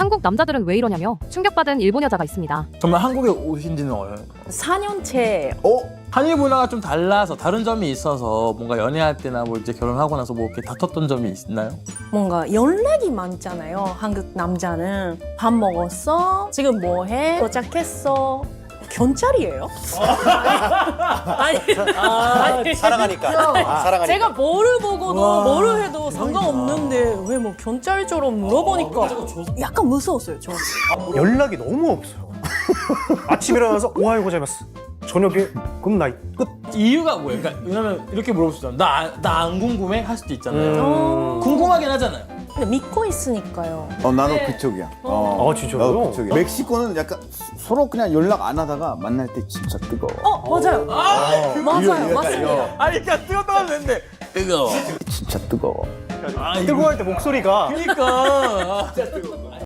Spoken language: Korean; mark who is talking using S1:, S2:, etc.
S1: 한국 남자들은 왜 이러냐며 충격받은 일본 여자가 있습니다.
S2: 정말 한국에 오신 지는
S3: 4년째.
S2: 한일 문화가 좀 달라서 다른 점이 있어서 뭔가 연애할 때나 뭐 이제 결혼하고 나서 뭐 이렇게 다퉜던 점이 있나요?
S3: 뭔가 연락이 많잖아요. 한국 남자는 밥 먹었어? 지금 뭐 해? 도착했어? 경찰이에요? 아니,
S4: 사랑하니까. 사랑하니까.
S3: 제가 뭐를 보고도 뭐를 해도 상관없는데 왜 뭐 경찰처럼 물어보니까 약간 무서웠어요, 저.
S5: 연락이 너무 없어요. 아침 일어나서 오하요 고자이마스. 저녁에 굿나잇 끝.
S2: 이유가 뭐예요? 그러니까 왜냐면 이렇게 물어볼 수 있잖아요. 나 안 궁금해? 할 수도 있잖아요. 궁금하긴 하잖아요.
S3: 근데 믿고 있으니까요.
S6: 나도 그쪽이야.
S5: 진짜요?
S6: 나도 그쪽이야. 멕시코는 약간 서로 그냥 연락 안 하다가 만날 때 진짜 뜨거워.
S3: 맞아요. 맞아요, 맞습니다.
S2: 아니 그러니까 뜨겁다고 했는데 뜨거워.
S6: 진짜 뜨거워.
S5: 뜨거워할 때 목소리가
S2: 그러니까.